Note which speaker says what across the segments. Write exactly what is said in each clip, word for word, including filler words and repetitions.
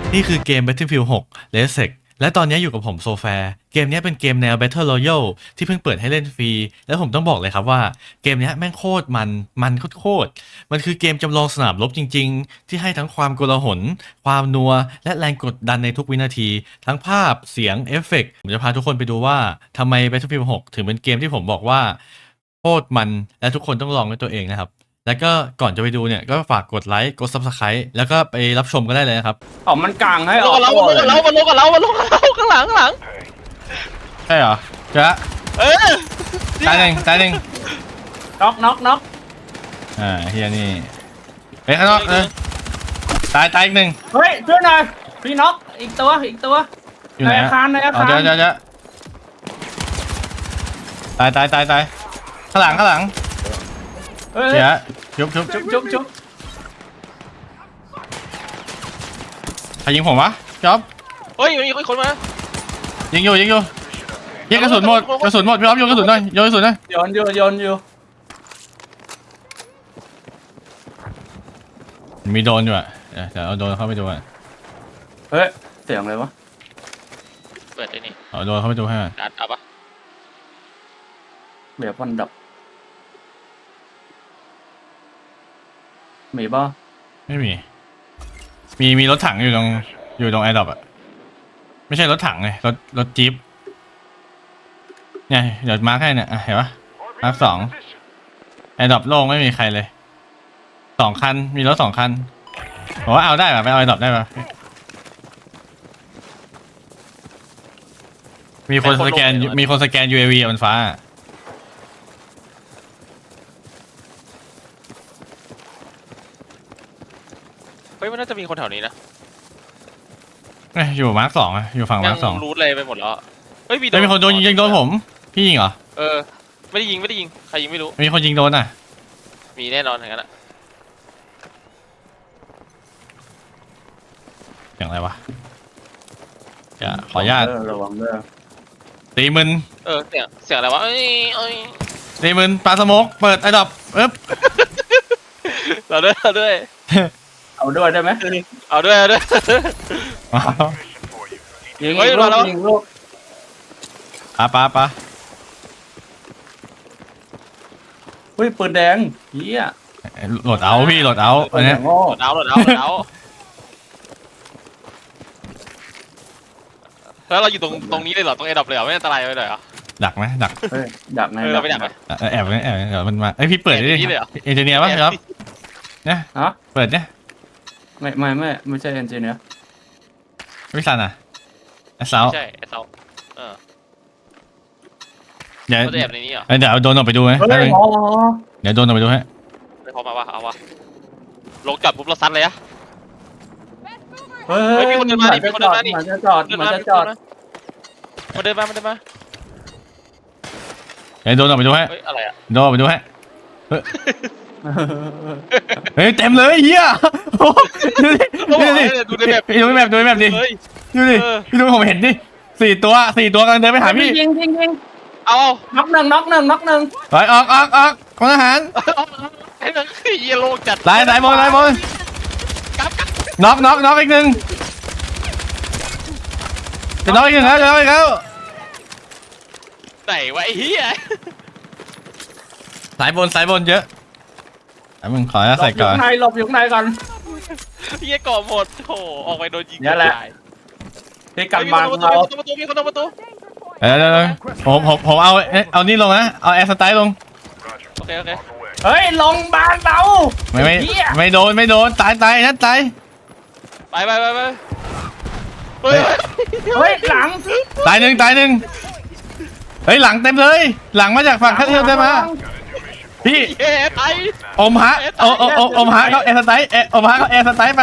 Speaker 1: นี่คือเกม Battlefield หก Red และตอนนี้อยู่กับผมโซแฟร์เกมนี้เป็นเกมแนว Battle Royale ที่เพิ่งเปิดให้เล่นฟรีแล้วผมต้องบอกเลยครับว่าเกมนี้แม่งโคตรมันมันโคตรมันคือเกมจำลองสนามรบจริงๆที่ให้ทั้งความโกลาหลความนัวและแรงกดดันในทุกวินาทีทั้งภาพเสียงเอฟเฟกต์ผมจะพาทุกคนไปดูว่าทำไม Battlefield หก ถึงเป็นเกมที่ผมบอกว่าโคตรมันและทุกคนต้องลองด้วยตัวเองนะครับแล้วก็ก่อนจะไปดูเนี่ยก็ฝากกดไลค์กด ซับสไครบ์ แล้วก็ไปรับชมกันได้เลยนะครับ
Speaker 2: อ๋อมันกลางให้อ
Speaker 3: ล
Speaker 2: อง ก
Speaker 3: กับเรา
Speaker 2: ตัว
Speaker 3: มันลงกับเรามันลงกับเรามันลงกับเราข้างหลังข้างหลัง
Speaker 1: ใช่เหรอเจ๊ะ
Speaker 3: เออ
Speaker 1: ตายหนึ่งตายหนึ่ง
Speaker 2: น็อกน็อกน็อก
Speaker 1: อ่าเฮียนี่เฮ้ยข้างนอกเออตายตายอีกหนึ่ง
Speaker 2: เฮ้ยช่วยหน่อยพี่น็อกอีกตัวอีกตัว
Speaker 1: อยู่ไหน
Speaker 2: ในอาคารในอาคาร
Speaker 1: เดี๋ยวเดี๋ยวเดี๋ยวตายตายตายตายข้างหลังข้างหลัง
Speaker 2: เฮ้ย
Speaker 1: เจ๊ะยุบยุบ
Speaker 2: จุ๊บจุ๊บจุ๊บ
Speaker 1: ใครยิงผมวะจ๊อบ
Speaker 3: เฮ้ยมีคนมา
Speaker 1: ยิงอยู่ยิงอยู่ยิงกระสุนหมดกระสุนหมดพี่อ๊อฟโยนกระสุนหน่อยโยนกระสุนหน่อย
Speaker 2: โยนอยู่โยนอยู่
Speaker 1: มีโดนอยู่อ่ะเดี๋ยวเดี๋ยวเอาโดนเข้าไปดูอ่ะ
Speaker 2: เฮ้ยเสียงอะไรวะ
Speaker 3: เปิดได้นี่
Speaker 1: เอาโดนเข้าไปดูให้ก่อน
Speaker 3: ดัดเอาปะ
Speaker 2: เบียร์ฟันดับมีป่ะ
Speaker 1: ไม่มีมีมีรถถังอยู่ตรงอยู่ตรงแอร์ดรอปอ่ะไม่ใช่รถถังเลยรถรถจี๊ปเนี่ยเดี๋ยวมาร์คให้เนี่ยอ่ะเห็นปะมาร์คสองแอร์ดรอปโล่งไม่มีใครเลยสองคันมีรถสองคันผมว่าเอาได้ป่ะไปเอาแอร์ดรอปได้ป่ะมีคนสแกนมีคนสแกน ยู เอ วี บนฟ้า
Speaker 3: เฮ้ยมันน่าจะมีคนแถวนี้นะ
Speaker 1: เอ้ยอยู่มาร์คสองอะอยู่ฝั่ง
Speaker 3: ยั
Speaker 1: มาร์คสอง
Speaker 3: รูทเลยไปหมดแล้วเฮ้ยมี
Speaker 1: ไม่มีคนโดนยิงโดนผมพี่ยิงเหรอ
Speaker 3: เออไม่ได้ยิงไม่ได้ยิงใครยิงไม่รู้
Speaker 1: มีคนยิงโดนอ่ะ
Speaker 3: มีแน่นอนอย่างนั้นอะ
Speaker 1: อย่างไรวะจะขออนุญาต
Speaker 2: เระวังเด้อ
Speaker 1: ตีมึน
Speaker 3: เออเสียงเสียงอะไรวะเอ้ยเอ้ย
Speaker 1: ตีมึนปลาสโมกเปิดไอ้ดอกเอ๊บ
Speaker 3: เราด้วยเราด้วย
Speaker 2: เอาด้วยได้ไหม
Speaker 3: เอาด้วยเอาด้วย
Speaker 2: ยิง
Speaker 3: เฮ้ย
Speaker 2: อีกลู
Speaker 3: มาก แล้ว
Speaker 2: ยิงลูก
Speaker 1: ปลาปลาปลา
Speaker 2: เฮ้ยปืนแดงเฮีย
Speaker 1: โหลดเอาพี่โหลดเอาอันเนี้ย
Speaker 2: โง่
Speaker 3: โดดเอาโดดเอาโดดเอาแล้วเราอยู่ตรงตรงนี้เลยเหรอตรงไอ้ดับเลยเหรอไม่อันตรายไปเลยเหรอ
Speaker 1: ดักไหมดัก
Speaker 2: เฮ้ยดักใน
Speaker 3: เออเราไม่ดักไหม
Speaker 1: เออแอบไว้แอบไว้เดี๋ยวมันมาไอยพี่เปิดดิ
Speaker 3: แอบอย่างนี้เลยเหรอ
Speaker 1: เอนจิเนียร์ป่ะครับเนี่ย
Speaker 2: ฮะ
Speaker 1: เปิดเนี่ย
Speaker 2: ไม่ไม่ไม่ไม่ใช่เอนจิเนียร์
Speaker 1: วิสันอ่ะไอ้สาว
Speaker 3: ใช่ไอ้เสาเออ
Speaker 1: เดี๋ยว
Speaker 3: เขาจะแอบในนี้เหรอ
Speaker 1: เดี๋ยวเอาโดนออกไปดูไหม
Speaker 2: เฮ้
Speaker 1: แป๊บ
Speaker 2: ย
Speaker 1: นึง
Speaker 2: อ๋อ
Speaker 1: เดี๋ยวโดนออกไปดูให้
Speaker 3: ไม่พอมาวะเอาวะลงจอดปุ๊บเราซัดเลยอะ
Speaker 2: เฮ้
Speaker 3: เฮ้
Speaker 2: ย
Speaker 3: ยมีคนเดินมาดิมีคนเดินมาดิ
Speaker 2: มันจะจอดมันจะจอด
Speaker 3: มาเดินมามาเดินมา
Speaker 1: เดี๋ยวโดนออกไปดูให้
Speaker 3: เฮ้ยอะไรอะ
Speaker 1: โดนออกไปดูให้เฮ้ยเฮ้ยเต็มเลยเฮียโอ้ดูดิดูดิ
Speaker 3: ดูในแบบ
Speaker 1: พี่ดูในแบบดูในแบบดิ
Speaker 3: เฮ้ย
Speaker 1: ดูดิ
Speaker 3: เออ
Speaker 1: พี่ดูผมเห็นดิสี่ตัวสี่ตัวกำลังเดินไปหาพี่
Speaker 2: ยิงยิงยิง
Speaker 3: เอา
Speaker 2: น็อกหนึ่งน็อกหนึ่งน็อกหนึ่ง
Speaker 1: ถอยออกออกออกคนทหาร
Speaker 3: ไอ้นั่นคือเยลโล่จัด
Speaker 1: ไล่ไล่บอลไล่บอล
Speaker 3: กลับกลับ
Speaker 1: น็อกน็อกน็อกอีกหนึ่งจะน็อกอีกหนึ่งแล้วจะน็อกอีกแล้ว
Speaker 3: ไหนวะไอ้เหี้ย
Speaker 1: สายบนสายบนเยอะไอ้มึงขอให้
Speaker 2: หล
Speaker 1: ใส่
Speaker 2: บอ
Speaker 1: ก่
Speaker 2: ยู่
Speaker 1: อน
Speaker 2: ข้างในหลบอยู่ข้างในก่อน
Speaker 3: เหี้ยก่อหมดโถออกไปโดนยิง
Speaker 2: เนี่ยแหละ พี่กัน
Speaker 3: มี
Speaker 2: มา
Speaker 3: คน
Speaker 2: เรา
Speaker 3: ประตูมีคนประตู
Speaker 1: เดี๋ยวเดี๋ยวเดี๋ยวผมผมผมเอาเอ๊ะเอานี่ลงนะเอาแอร์สไตล์ลง
Speaker 3: โอเคโอเค
Speaker 2: เฮ้ยลงบานเรา
Speaker 1: ไม่ไม่
Speaker 2: เหี้ย
Speaker 1: ไม่โดนไม่โดนตายตายนั่นตาย
Speaker 3: ไปไปไปไปเฮ้ย
Speaker 2: เฮ้ยหลัง
Speaker 1: ตายหนึ่งตายหนึ่งเฮ้ยหลังเต็มเลย หลังมาจากฝั่งท่าเที่ยวได้มาพี่
Speaker 3: เย้ไอ้
Speaker 1: อมฮะโอโอโออมฮะเขาแอร์สไตล์เออมฮะเขาแอร์สไตล์ไป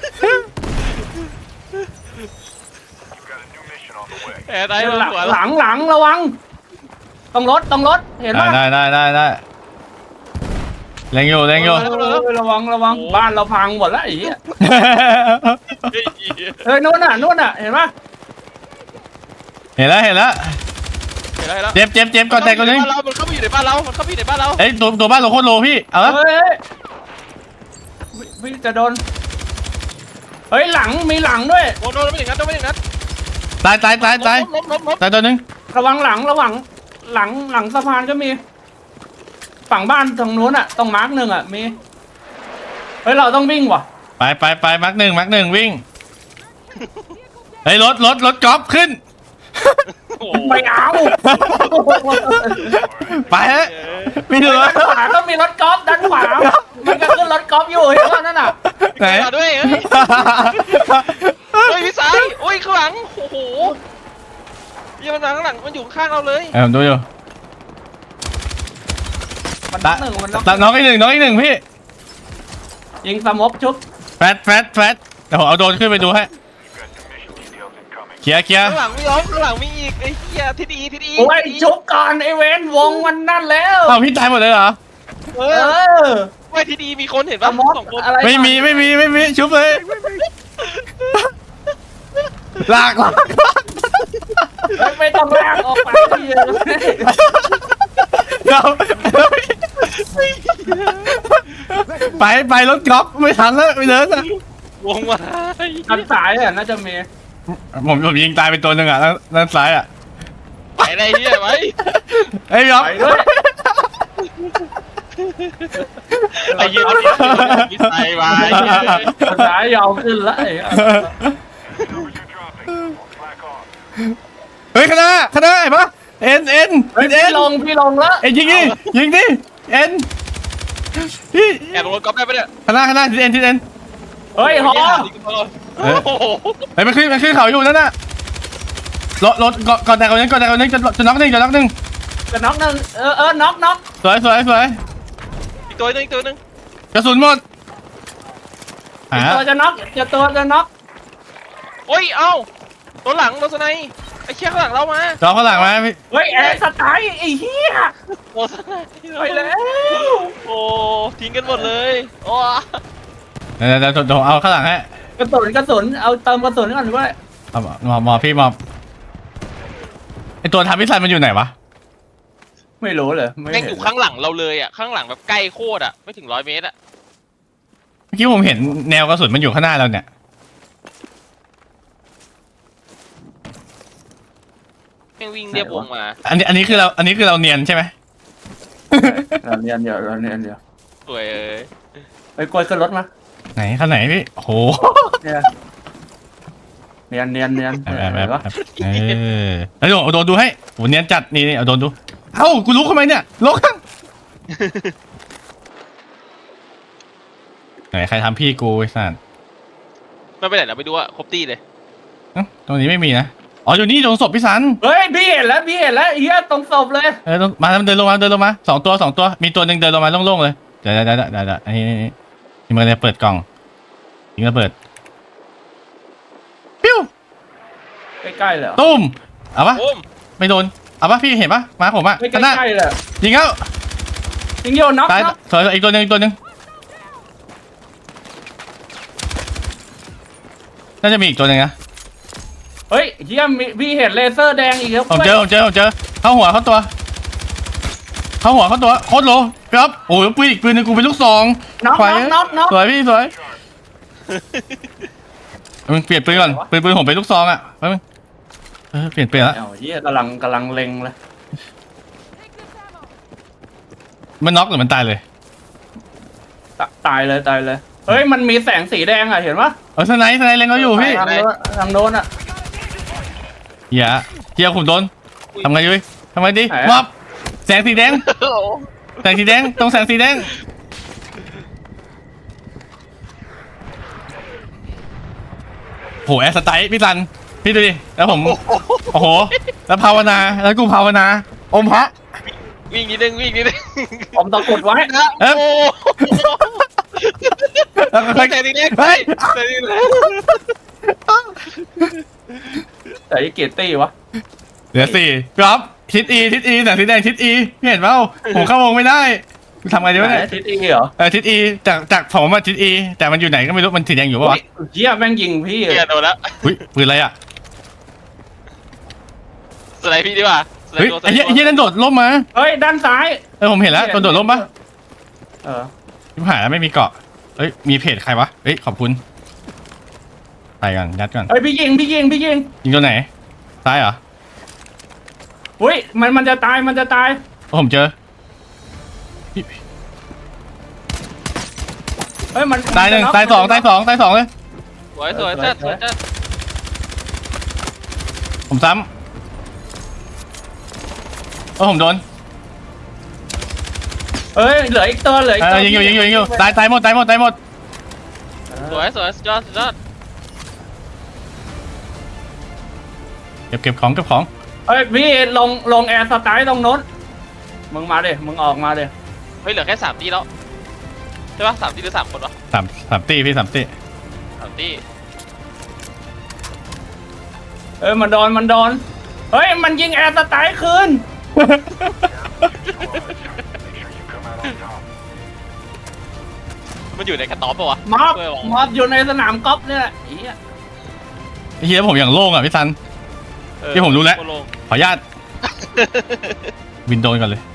Speaker 3: แอบไอ้
Speaker 2: หลัง
Speaker 3: หัว
Speaker 2: หลังหลังระวังต้องรถต้องรถเห็น
Speaker 1: ได้
Speaker 2: ป่ะ
Speaker 1: ได้ได้ได้ได้เล็งอยู่เล็งอยู่
Speaker 2: เออระวังระวังบ้านเราพังหมดแล้วไอ้เหี้ย
Speaker 3: เฮ้ย
Speaker 2: เฮ้ยนู่นน่ะนู่นน่ะเห็นป่ะ
Speaker 1: เห็นแล้วเห็นแล้ว
Speaker 3: เห็นแล้ว
Speaker 1: เจ็บเจ็บเจ็บก่อนแตกก่อนนึง
Speaker 3: เรามันเข้าไปอยู่ในบ้านเรา มันเข้าไปอยู่ในบ้านเรา
Speaker 1: เอ้ยตัวตัวบ้านเราโคตรโลพี่เอาละ
Speaker 2: เฮ้ยพี่จะโดนเฮ้ยหลังมีหลังด้วย
Speaker 3: โดนโดนไม่ถึงนัดโดนไม่ถึงนัด
Speaker 1: ตายตายตายตาย
Speaker 3: ล้มล้มล้ม
Speaker 1: ตายตัวหนึง
Speaker 2: ระวังหลังระวังหลังหลังสะพานก็มี ฝั่งบ้านตรงนู้นอ่ะตรงมาร์กหนึ่งอ่ะมีเฮ้ยเราต้องวิ่งว่ะ
Speaker 1: ไปไปไปมักหนึ่งมักหนึ่งวิ่งเฮ้ยรถรถรถกอล์ฟขึ้น
Speaker 3: โอ้
Speaker 2: ไม่เอา
Speaker 1: ไปฮะไม่ดู
Speaker 2: ด้านขวาก็มีรถกอล์ฟด้านขวามันก็ขึ้นรถกอล์ฟอยู่เห็นป่ะนั่นน่ะ
Speaker 1: ไหน
Speaker 3: มาด้วยเฮ้ยเฮ้ยพี่สายโอ้ยข้างหลังโอ้โหยังมันมาข้างหลังมันอยู่ข้างเราเลย
Speaker 1: เออผมดูอยู่
Speaker 2: มันน็อกหนึ่งมันน็อก
Speaker 1: ตัดน้องอีกหนึ่งน้องอีกหนึ่งพี่
Speaker 2: ยิงสมบชุบ
Speaker 1: แฟดแฟดแฟดเดี๋ยวผมเอาโดรนขึ้นไปดูให้เคลียร์เคลียร์
Speaker 3: ข้างหลังมีล้อมข้างหลังมีอีกไอ้เหี้ยทิศอีทิศอี
Speaker 2: โอ้ยชุบก่อนไอเวนวงมันนั่นแล้ว
Speaker 1: เอาพี่ตายหมดเลยเหรอ
Speaker 3: เอ
Speaker 2: เอ
Speaker 3: อ
Speaker 2: อ
Speaker 3: ไม่ทิศอีมีคนเห็น
Speaker 2: ส
Speaker 3: ปะ
Speaker 2: มบ
Speaker 3: สองคน
Speaker 2: อะไร
Speaker 1: ไม่มีไม่มีไม่มีชุบเลยลากลาก
Speaker 2: เฮ้ยไม่ต้องลากออกไปเลย
Speaker 1: เราไปไปรถกอล์ฟไม่ทันแล้วไปเดินอะ
Speaker 3: วงมา
Speaker 2: ทางสายอ่ะน่าจะมี
Speaker 1: ผมผมยิงตายไปตัวหนึ่งอ่ะด้านด้านซ้ายอ่ะ
Speaker 3: ไปอะไรเหี้ยไว้
Speaker 1: เฮ้ยยอม
Speaker 2: ไปด้วย
Speaker 3: ไอ้เหี้ยพี่สายมาไอ้เหี้ย
Speaker 2: ทางสายยาวขึ้นแล้วไอ้
Speaker 1: เฮ้ยคณะคณะไอ้ปะเอ็นเอ็น
Speaker 2: เฮ้ย
Speaker 1: เอ็
Speaker 2: พี่
Speaker 1: น
Speaker 2: ลงพี่ลงแล้ว
Speaker 1: เอ็นยิงดิยิงดิเอ็นพี่
Speaker 3: แอบลงรถก๊อฟได้ปะเนี่ย
Speaker 1: คณะคณะทีเอ็นทีเอ็น
Speaker 2: เฮ้ยฮอ
Speaker 3: โอ้โห
Speaker 1: เฮ้ยมันขึ้นมันขึ้นเขาอยู่นั่นน่ะรถรถก่อนก่อนแต่ก่อนนึงก่อนแต่ก่อนนึงจะจะน็อกหนึ่งจะน็อกหนึ่ง
Speaker 2: จะน็อกหนึ่งเออเออน็อกน็อก
Speaker 1: สวยสวยสวย
Speaker 3: อีกตัวหนึงอีกตัวหนึง
Speaker 1: กระสุนหมดหา
Speaker 2: ตัวจะน็อกจะตัวจะน็อก
Speaker 3: โอ้ยเอ้าตัวหลังรถสไนป์ไอ้เชี่ยข้างหลังเรามา
Speaker 1: จอข้างหลังมาพี่
Speaker 2: เฮ้ยแอร์สไตล์ไอ้เหี้ย
Speaker 3: รถสไนป์
Speaker 2: ไปแล้ว
Speaker 3: โอ้ทิ้งกันหมดเลยโอ้
Speaker 1: เดี๋ยวเดี๋ยวเดี๋ยวเอาข้างหลังให้
Speaker 2: กระสุนกระสุนเอาเติมกระสุนก่อนด้วย
Speaker 1: เอาหมอหมอพี่หมอไอตัวทำพิสันมันอยู่ไหนวะ
Speaker 2: ไม่รู้เลยไม่
Speaker 3: แม่งอ
Speaker 2: เห็น
Speaker 3: ยู่ข้างหลังเราเลยอ่ะข้างหลังแบบใกล้โคตรอ่ะไม่ถึงร้อยเมตรอ่ะ
Speaker 1: เมื่อกี้ผมเห็นแนวกระสุนมันอยู่ข้างหน้าเราเนี่ย
Speaker 3: แม่งวิ่งเรียบวงมา
Speaker 1: อันนี้อันนี้คือเราอันนี้คือเราเนียนใช่ไหม
Speaker 2: เราเนียนเดี๋ยวเราเนียนเดี๋ยว
Speaker 3: สวยเอ้ย
Speaker 2: ไปกดขึ้นรถมา
Speaker 1: ไหนข้างไหนพี่โอ้โห
Speaker 2: เนี่ยเนียนเนียนเนียน
Speaker 1: แบบแบบ
Speaker 2: เห็น
Speaker 1: แบ
Speaker 2: ปะ
Speaker 1: บเออแล้วเดี๋ยวเอาโดนดูให้โหเนียนจัดนี่นี่เอาโดนดูเอ้ากูลุกทำไมเนี่ยลุกข้างไหนใครทำพี่กูไอ้สัส
Speaker 3: ไม่ไปไหนเราไปดูอ่ะครบตีเลย
Speaker 1: เอ้าตรงนี้ไม่มีนะอ๋ออยู่นี่ตรงศพพี่สัน
Speaker 2: เฮ้ยพี่เห็นแล้วพี่เห็นแล้วเฮียตรงศพเลย
Speaker 1: เออตรงมาเดินลงมาเดินลงมาสองตัวสองตัวมีตัวหนึ่งเดินลงมาโล่งๆเลยเดี๋ยวเดี๋ยวเดี๋ยวเดี๋ยวเดี๋ยวอันนี้นี่นี่นี่มันจะเปิดกล่องยิงระเบิดปิ้ว
Speaker 2: ใกล้ๆเลยเหรอ
Speaker 1: ตุ้มเอาปะ
Speaker 3: โอ้ม
Speaker 1: ไม่โดนเอาปะพี่เห็นปะมาผมอะ
Speaker 2: ไม่ใก
Speaker 1: ข้างหน้า
Speaker 2: ล้ๆเลย
Speaker 1: ยิงเข้า
Speaker 2: ยิงโยนน็อก
Speaker 1: ตาย
Speaker 2: น็อก
Speaker 1: สวยอีกตัวหนึ่งอีกตัวหนึ่งน่าจะมีอีกตัวหนึ่งนะ
Speaker 2: เฮ้ยเฮียมีพี่เห็นเลเซอร์แดงอีกแล้ว
Speaker 1: ผมเจอผมเจอผมเจอเข้าหัวเข้าตัว เข้าหัวเข้าตัวโคตรโลครับโอ้ยปืนอีกปืนหนึงกูเป็นลูกซอง
Speaker 2: น็อก
Speaker 1: ควาย
Speaker 2: น็อกน็อกน็อก
Speaker 1: สวยพี่สวยมึงเปลี่ยนปืนก่อนปืนปืนผมเป็นลูกซองอ่ะไปมึงเออเปลี่ยนเปลี่ยนละ
Speaker 2: เอาเฮียกำลังกำลังเล็งเลย
Speaker 1: มันน็อกหรือมันตายเลย
Speaker 2: ตตายเลยตายเลยเฮ้ยมันมีแสงสีแดงอ่ะเห็นปะ
Speaker 1: เออสไนส์สไนส์เล็งเขาอยู่พี่
Speaker 2: ทางโน้นทางโน้นอ่ะ
Speaker 1: เฮียเฮียขุนโดนทำไงยุ้ยทำไงดี
Speaker 2: ไหนอะ
Speaker 1: มอบแสงสีแดงแสงสีแดงตรงแสงสีแดงโหแอสไตล์พี่ซันพี่ดูดิแล้วผมโอ้โหแล้วภาวนาแล้วกูภาวนาอมพระ
Speaker 3: วิ่งนิดนึงวิ่งนิดนึง
Speaker 2: ผมตะกดไว้
Speaker 3: นะ
Speaker 1: เอ๊ะ
Speaker 3: โอ้
Speaker 1: แล้วก็ค่อย
Speaker 3: แต่ทีนี้
Speaker 1: เฮ้ย
Speaker 3: แต่ทีนี้
Speaker 2: แต่ยี่เกียรตี้วะ
Speaker 1: เหลือสี่ครับทิศอีทิศอีแสงสีแดงทิศอีพี่เห็นเปล่าผมเข้าวงไม่ได้ทำไงดีวะเนี่ย
Speaker 2: ทิศอีเหรอ
Speaker 1: เออทิศอีจากจากผมมาทิศอีแต่มันอยู่ไหนก็ไม่รู้มันสีแดงอยู่ปะวะ
Speaker 2: เฮียแม่งยิงพี่
Speaker 3: เกียโดนแล้ว
Speaker 1: อุ้ยปืนอะไรอ่ะ
Speaker 3: สไลด์พี่ดีกว่าสไล
Speaker 1: เฮ้ย
Speaker 3: ด์ตัวส
Speaker 1: ไอ้
Speaker 3: ไล
Speaker 1: เหี้ย
Speaker 3: ด์
Speaker 1: ไอ้เหี้ยนั่นโดดล่มมา
Speaker 2: เฮ้ยด้านซ้าย
Speaker 1: เออผมเห็นแล้วตัวโดดล่มปะ
Speaker 2: เออ
Speaker 1: ชิบหายแล้วไม่มีเกาะเฮ้ยมีเพจใครวะเฮ้ยขอบคุณใส่ก่อนยัดก่อน
Speaker 2: เฮ้ยพี่ยิงพี่ยิงพี่ยิง
Speaker 1: ยิงตัวไหนซ้ายเหรอ
Speaker 2: อุ้ยมันมันจะตายมันจะตาย
Speaker 1: โอ้ผมเจอพี่
Speaker 2: เฮ้ยมัน
Speaker 1: ตายหนึ่ง
Speaker 2: มัจะ
Speaker 1: ตายสองตายสองตายสองเลย
Speaker 3: สวยสวยจัดสวยจัด
Speaker 1: ผมซ้ำโอ้ผมโดน
Speaker 2: เฮ้ยเหลืออีกตัวเหลืออีก
Speaker 1: เอ
Speaker 2: ตัว
Speaker 1: อยิงอยู่ยิงอยู่ยิงอยู่ตายตายหมดตายหมดตายหมด
Speaker 3: สวยสวยสุดยอดสุดยอด
Speaker 1: เก็บเก็บของเก็บของ
Speaker 2: เฮ้ยพี่ลงลงแอร์สไตล์ตรงโน้นมึงมาดิมึงออกมาดิ
Speaker 3: เฮ้ยเหลือแค่สามตีแล้วใช่ปะสามตีหรือสามคนวะ
Speaker 1: สามสามตีพี่สามตี
Speaker 3: สามตี
Speaker 2: เอ้ยมันโดนมันโดนเฮ้ยมันยิงแอร์สไตล์คืน
Speaker 3: มันอยู่ในกระต๊อบปะวะ
Speaker 2: มอบ
Speaker 3: ช่วยบอก
Speaker 2: มอบอยู่ในสนามกอล์ฟเนี่ยแหละไอ้เหี้ย
Speaker 1: เฮียผมอย่างโล่งอ่ะพี่ซัน
Speaker 3: เออ
Speaker 1: ที่ผมรู้แล้ว
Speaker 3: โคตโง
Speaker 1: ขออนุญาตวินโดนก่อนเลย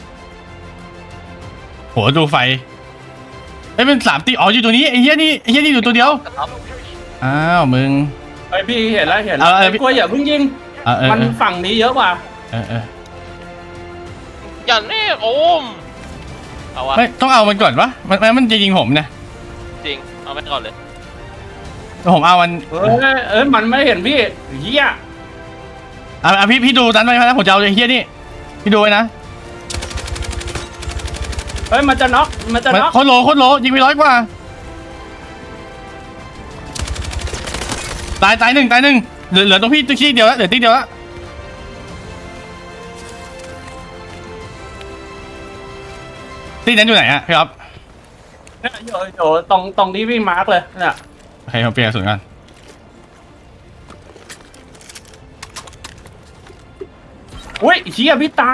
Speaker 1: โหดูไฟเอ้ยเป็นสามตีอ๋ออยู่ตัวนี้ไอ้เฮียนี่ไอ้เฮียนี่อยู่ตัวเดียว
Speaker 3: กระต๊อบ
Speaker 1: อ้าวมึง
Speaker 2: เฮ้ยพี่เห็นแล้วเห็นแล้ว
Speaker 1: เอาเอา
Speaker 2: ไอ้กลัวอย่าเพิ่งยิง
Speaker 1: เออเออ
Speaker 2: มันฝั่งนี้เยอะกว่า
Speaker 1: เออเออ
Speaker 3: อย่าแน่โอมเอาวะ
Speaker 1: เฮ้ยต้องเอามันก่อนวะมันมันมันจะยิงผมนะ
Speaker 3: จริงเอาไปก่อนเลย
Speaker 1: ผมเอามัน
Speaker 2: เอ้ยเอ้ยมันไม่เห็นพี่เหี้ย
Speaker 1: อ่ะอ่ะพี่พี่ดูดันไว้นะผมจะเอาไอ้เฮียนี่พี่ดูไว้นะ
Speaker 2: เฮ้ยมันจะน็อกมันจะ
Speaker 1: มัน
Speaker 2: น็อก
Speaker 1: โคตรโลโคตรโลยิงไปร้อยกว่าตายตายหนึ่งตายหนึ่งเหลือเหลือตรงพี่ที่เดียวแล้วเหลือที่เดียวแล้วที่นั้นอยู่ไหนอะพี่อ๊อฟ
Speaker 2: เนี่ยอยู่อยู่ตรงตรงที่พี่มาร์กเลยเนี่ย
Speaker 1: โอเคผมเปลี่ยนกระสุนกัน
Speaker 2: อุ้ยเหี้ยพี่ตาย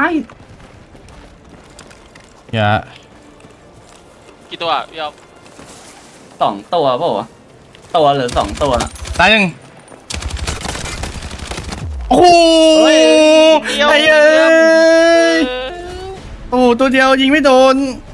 Speaker 1: อย่า
Speaker 3: กี่ตัวพี่เอา
Speaker 2: สองตัวเปล่าวะตัวหรือสองตัวน่ะ
Speaker 1: ตายหนึ่งโอ้โห
Speaker 2: เฮ้ย
Speaker 3: เดียว
Speaker 1: ไอ้เอ้ยโอ้โหตัวเดียวยิงไม่โดน